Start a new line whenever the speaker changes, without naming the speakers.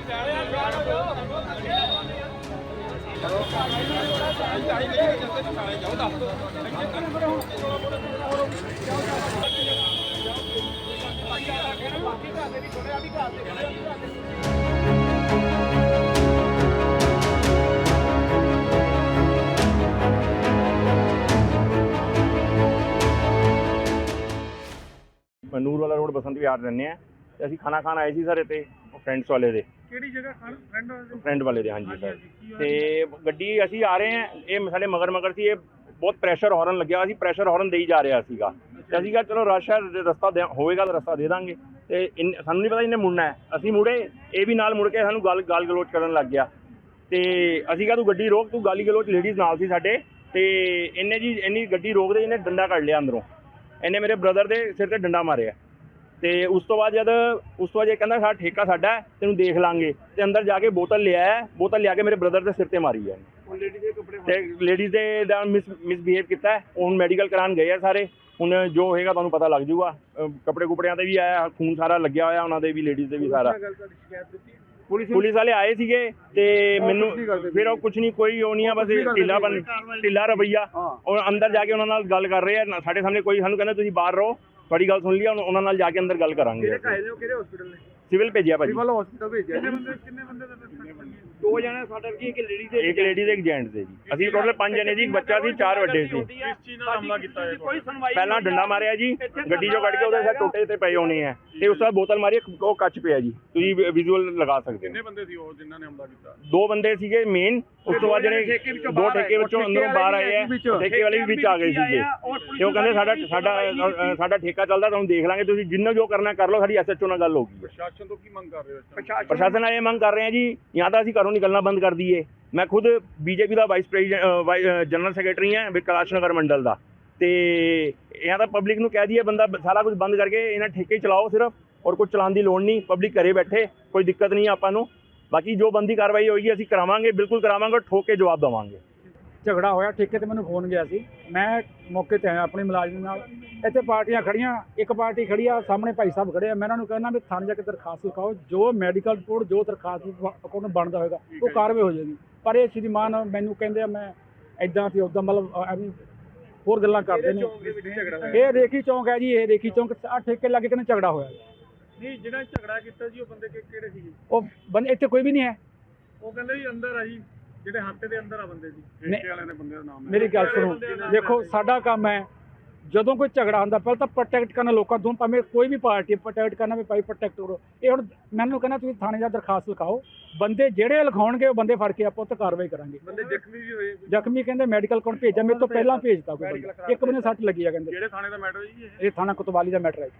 ਨੂਰ ਵਾਲਾ ਰੋਡ ਬਸੰਤ ਵਿਹਾਰ ਰਹਿੰਦੇ ਆ ਤੇ ਅਸੀਂ ਖਾਣਾ ਖਾਣ ਆਏ ਸੀ ਸਰ ਇੱਥੇ ਫਰੈਂਡਸ ਵਾਲੇ ਦੇ।
ਕਿਹੜੀ ਜਗ੍ਹਾ ਖਾਣ?
ਫਰੈਂਡ ਵਾਲੇ ਦੇ, ਹਾਂਜੀ ਸਰ। ਤੇ ਗੱਡੀ ਅਸੀਂ ਆ ਰਹੇ ਹਾਂ, ਇਹ ਸਾਡੇ ਮਗਰ ਸੀ। ਇਹ ਬਹੁਤ ਪ੍ਰੈਸ਼ਰ ਹਾਰਨ ਲੱਗਿਆ, ਅਸੀਂ ਪ੍ਰੈਸ਼ਰ ਹਾਰਨ ਦੇਈ ਜਾ ਰਿਹਾ ਸੀਗਾ ਤੇ ਅਸੀਂ ਕਿਹਾ ਚਲੋ ਰਸ਼ ਹੈ, ਰਸਤਾ ਹੋਵੇਗਾ ਤਾਂ ਰਸਤਾ ਦੇ ਦਾਂਗੇ। ਤੇ ਸਾਨੂੰ ਨਹੀਂ ਪਤਾ ਇਹਨੇ ਮੁੜਨਾ ਹੈ, ਅਸੀਂ ਮੁੜੇ, ਇਹ ਵੀ ਨਾਲ ਮੁੜ ਕੇ ਸਾਨੂੰ ਗਾਲ ਗਲੋਚ ਕਰਨ ਲੱਗ ਗਿਆ। ਤੇ ਅਸੀਂ ਕਿਹਾ ਤੂੰ ਗੱਡੀ ਰੋਕ, ਤੂੰ ਗਾਲੀ ਗਲੋਚ, ਲੇਡੀਜ਼ ਨਾਲ ਸੀ ਸਾਡੇ। ਤੇ ਇਹਨੇ ਜੀ ਇੰਨੀ ਗੱਡੀ ਰੋਕਦੇ ਇਹਨੇ ਡੰਡਾ ਕੱਢ ਲਿਆ ਅੰਦਰੋਂ, ਇਹਨੇ ਮੇਰੇ ਬ੍ਰਦਰ ਦੇ ਸਿਰ ਤੇ ਡੰਡਾ ਮਾਰਿਆ। ਤੇ ਉਸ ਤੋਂ ਬਾਅਦ ਇਹ ਕਹਿੰਦਾ ਸਾਡਾ ਠੇਕਾ ਸਾਡਾ ਹੈ, ਤੈਨੂੰ ਦੇਖ ਲਾਂਗੇ। ਤੇ ਅੰਦਰ ਜਾ ਕੇ ਬੋਤਲ ਲਿਆ ਕੇ ਮੇਰੇ ਬ੍ਰਦਰ ਦੇ ਸਿਰ ਤੇ ਮਾਰੀ ਹੈ। ਤੇ ਲੇਡੀਜ਼ ਦੇ ਦਾ ਮਿਸਬਿਹੇਵ ਕੀਤਾ। ਹੁਣ ਮੈਡੀਕਲ ਕਰਾਉਣ ਗਏ ਆ ਸਾਰੇ, ਹੁਣ ਜੋ ਹੋਏਗਾ ਤੁਹਾਨੂੰ ਪਤਾ ਲੱਗ ਜਾਊਗਾ। ਕੱਪੜੇ ਕੁਪੜਿਆਂ ਤੇ ਵੀ ਆਇਆ, ਖੂਨ ਸਾਰਾ ਲੱਗਿਆ ਹੋਇਆ ਉਹਨਾਂ ਦੇ ਵੀ, ਲੇਡੀਜ਼ ਦੇ ਵੀ ਸਾਰਾ। ਪੁਲਿਸ ਵਾਲੇ ਆਏ ਸੀਗੇ ਤੇ ਮੈਨੂੰ ਫਿਰ ਉਹ ਕੁਝ ਨਹੀਂ, ਕੋਈ ਉਹ ਨਹੀਂ ਆ, ਬਸ ਢਿੱਲਾ ਰਵੱਈਆ। ਔਰ ਅੰਦਰ ਜਾ ਕੇ ਉਹਨਾਂ ਨਾਲ ਗੱਲ ਕਰ ਰਹੇ ਆ ਸਾਡੇ ਸਾਹਮਣੇ। ਕੋਈ ਸਾਨੂੰ ਕਹਿੰਦਾ ਤੁਸੀਂ ਬਾਹਰ ਰਹੋ, ਤੁਹਾਡੀ ਗੱਲ ਸੁਣ ਲਈ, ਉਹਨਾਂ ਨਾਲ ਜਾ ਕੇ ਅੰਦਰ ਗੱਲ ਕਰਾਂਗੇ। ਸਿਵਲ ਭੇਜਿਆ ਭਾਜੀ, ਸਿਵਲ ਹਸਪੀਟਲ ਭੇਜਿਆ।
ਕਿੰਨੇ ਬੰਦੇ ਦਾ?
ਦੋ ਜਣੇ ਸਾਡੇ ਕੀ, ਇੱਕ ਲੇਡੀ ਤੇ ਇੱਕ ਜੈਂਟਸ ਦੇ ਜੀ। ਅਸੀਂ ਟੋਟਲ 5 ਜਣੇ ਜੀ, ਇੱਕ ਬੱਚਾ ਸੀ, 4 ਵੱਡੇ ਸੀ।
ਕਿਸ ਚੀਜ਼ ਨਾਲ ਹਮਲਾ ਕੀਤਾ ਹੈ?
ਪਹਿਲਾਂ ਡੰਡਾ ਮਾਰਿਆ ਜੀ, ਗੱਡੀ ਚੋਂ ਕੱਢ ਕੇ ਉਹਦੇ ਸਿਰ ਟੋਟੇ ਤੇ ਪਏ ਹੋਣੇ ਆ। ਤੇ ਉਸ ਤੋਂ ਬਾਅਦ ਬੋਤਲ ਮਾਰੀ, ਉਹ ਕੱਚ ਪਿਆ ਜੀ, ਤੁਸੀਂ ਵਿਜ਼ੂਅਲ ਲਗਾ ਸਕਦੇ ਹੋ।
ਕਿੰਨੇ ਬੰਦੇ ਸੀ ਉਹ ਜਿਨ੍ਹਾਂ ਨੇ ਹਮਲਾ ਕੀਤਾ?
2 ਬੰਦੇ ਸੀਗੇ ਮੇਨ। ਉਸ ਤੋਂ ਬਾਅਦ ਜਿਹੜੇ 2 ਠੇਕੇ ਵਿੱਚੋਂ ਅੰਦਰੋਂ ਬਾਹਰ ਆਏ ਆ, ਠੇਕੇ ਵਾਲੇ ਵੀ ਵਿੱਚ ਆ ਗਏ ਸੀਗੇ। ਤੇ ਉਹ ਕਹਿੰਦੇ ਸਾਡਾ ਠੇਕਾ ਚੱਲਦਾ, ਤੁਹਾਨੂੰ ਦੇਖ ਲਾਂਗੇ, ਤੁਸੀਂ ਜਿੰਨਾ ਜੋ ਕਰਨਾ ਕਰ ਲਓ, ਸਾਡੀ SHO ਨਾਲ ਗੱਲ ਹੋਊਗੀ।
ਪ੍ਰਸ਼ਾਸਨ ਤੋਂ ਕੀ ਮੰਗ ਕਰ ਰਹੇ ਹੋ?
ਪ੍ਰਸ਼ਾਸਨ ਨਾਲ ਇਹ ਮੰਗ ਕਰ ਰਹੇ ਆ ਜੀ, ਜਾਂ ਤਾਂ ਅਸੀਂ ਘਰੋਂ ਨਿਕਲਣਾ ਬੰਦ ਕਰ ਦਈਏ। ਮੈਂ ਖੁਦ BJP ਦਾ ਵਾਈਸ ਪ੍ਰੈਜ਼ੀਡੈਂਟ ਜਨਰਲ ਸੈਕਟਰੀ ਹਾਂ ਕੈਲਾਸ਼ ਨਗਰ ਮੰਡਲ ਦਾ। ਤੇ ਜਾਂ ਤਾਂ ਪਬਲਿਕ ਨੂੰ ਕਹਿ ਦਈਏ ਬੰਦਾ ਸਾਰਾ ਕੁਝ ਬੰਦ ਕਰਕੇ ਇਹਨਾਂ ਠੇਕੇ ਚਲਾਓ ਸਿਰਫ, ਔਰ ਕੁਝ ਚਲਾਉਣ ਦੀ ਲੋੜ ਨਹੀਂ, ਪਬਲਿਕ ਘਰੇ ਬੈਠੇ, ਕੋਈ ਦਿੱਕਤ ਨਹੀਂ ਆਪਾਂ ਨੂੰ। ਬਾਕੀ ਜੋ ਬੰਦੀ ਕਾਰਵਾਈ ਹੋਏਗੀ ਅਸੀਂ ਕਰਾਵਾਂਗੇ, ਬਿਲਕੁਲ ਕਰਾਵਾਂਗੇ, ਠੋਕ ਕੇ ਜਵਾਬ ਦੇਵਾਂਗੇ।
ਝਗੜਾ ਹੋਇਆ, ਠੇਕੇ ਤੇ ਮੈਨੂੰ ਫੋਨ ਗਿਆ ਸੀ, ਮੈਂ ਮੌਕੇ ਤੇ ਆਇਆ ਆਪਣੇ ਮੁਲਾਜ਼ਮ ਨਾਲ। ਇੱਥੇ ਪਾਰਟੀਆਂ ਖੜੀਆਂ, ਇੱਕ ਪਾਰਟੀ ਖੜੀ ਆ ਸਾਹਮਣੇ, ਭਾਈ ਸਾਹਿਬ ਖੜੇ ਆ। ਮੈਂ ਇਹਨਾਂ ਨੂੰ ਕਹਿੰਦਾ ਵੀ ਥਾਣੇ ਜਾ ਕੇ ਦਰਖਾਸਤ ਲਿਖਾਓ, ਜੋ ਮੈਡੀਕਲ ਰਿਪੋਰਟ, ਜੋ ਦਰਖਾਸਤ ਕੋਲ ਬਣਦਾ ਹੋਏਗਾ ਉਹ ਕਾਰਵਾਈ ਹੋ ਜਾਏਗੀ। ਪਰ ਇਹ ਸ਼੍ਰੀਮਾਨ ਮੈਨੂੰ ਕਹਿੰਦੇ ਆ ਮੈਂ ਇੱਦਾਂ ਤੇ ਉੱਦਾਂ, ਮਤਲਬ ਐਵੇਂ ਹੋਰ ਗੱਲਾਂ ਕਰਦੇ ਨੇ। ਇਹ ਰੇਖੀ ਚੌਂਕ ਹੈ ਜੀ, ਇਹ ਰੇਖੀ ਚੌਂਕ ਆ ਠੇਕੇ ਲੱਗੇ ਕਹਿੰਦੇ ਝਗੜਾ ਹੋਇਆ।
ਨਹੀਂ, ਜਿਹੜਾ ਝਗੜਾ ਕੀਤਾ ਜੀ ਉਹ ਬੰਦੇ ਕਿਹੜੇ ਸੀਗੇ?
ਉਹ ਬੰਦੇ ਇੱਥੇ ਕੋਈ ਵੀ ਨਹੀਂ ਹੈ।
ਉਹ ਕਹਿੰਦੇ ਜੀ ਅੰਦਰ ਆ ਜੀ, ਜਿਹੜੇ ਹੱਥੇ ਦੇ ਅੰਦਰ ਆ ਬੰਦੇ ਜੀ, ਠੇਕੇ ਵਾਲਿਆਂ ਦੇ ਬੰਦੇ ਦਾ ਨਾਮ ਹੈ।
ਮੇਰੀ ਗੱਲ ਸੁਣੋ, ਦੇਖੋ ਸਾਡਾ ਕੰਮ ਹੈ ਜਦੋਂ ਕੋਈ ਝਗੜਾ ਹੁੰਦਾ ਪਹਿਲਾਂ ਤਾਂ ਪ੍ਰੋਟੈਕਟ ਕਰਨਾ ਲੋਕਾਂ ਤੋਂ, ਭਾਵੇਂ ਕੋਈ ਵੀ ਪਾਰਟੀ ਪ੍ਰੋਟੈਕਟ ਕਰਨਾ, ਵੀ ਭਾਈ ਪ੍ਰੋਟੈਕਟ ਕਰੋ। ਇਹ ਹੁਣ ਮੈਨੂੰ ਕਹਿੰਦਾ ਤੁਸੀਂ ਥਾਣੇ ਜਾ ਦਰਖਾਸਤ ਲਿਖਾਓ, ਬੰਦੇ ਜਿਹੜੇ ਲਿਖਾਉਣਗੇ ਉਹ ਬੰਦੇ ਫੜ ਕੇ ਆਪਾਂ ਉੱਤੇ ਕਾਰਵਾਈ ਕਰਾਂਗੇ।
ਬੰਦੇ ਜ਼ਖਮੀ ਵੀ ਹੋਏ?
ਜ਼ਖਮੀ ਕਹਿੰਦੇ ਮੈਡੀਕਲ ਕੋਲ ਭੇਜਿਆ, ਮੇਰੇ ਤੋਂ ਪਹਿਲਾਂ ਭੇਜਤਾ ਕੋਈ ਬੰਦਾ, ਇੱਕ ਬੰਦੇ ਸੱਟ ਲੱਗੀ ਆ ਕਹਿੰਦੇ।
ਜਿਹੜੇ ਥਾਣੇ ਦਾ ਮੈਟਰ ਜੀ
ਇਹ ਥਾਣਾ ਕੋਤਵਾਲੀ ਦਾ ਮੈਟਰ ਹੈ।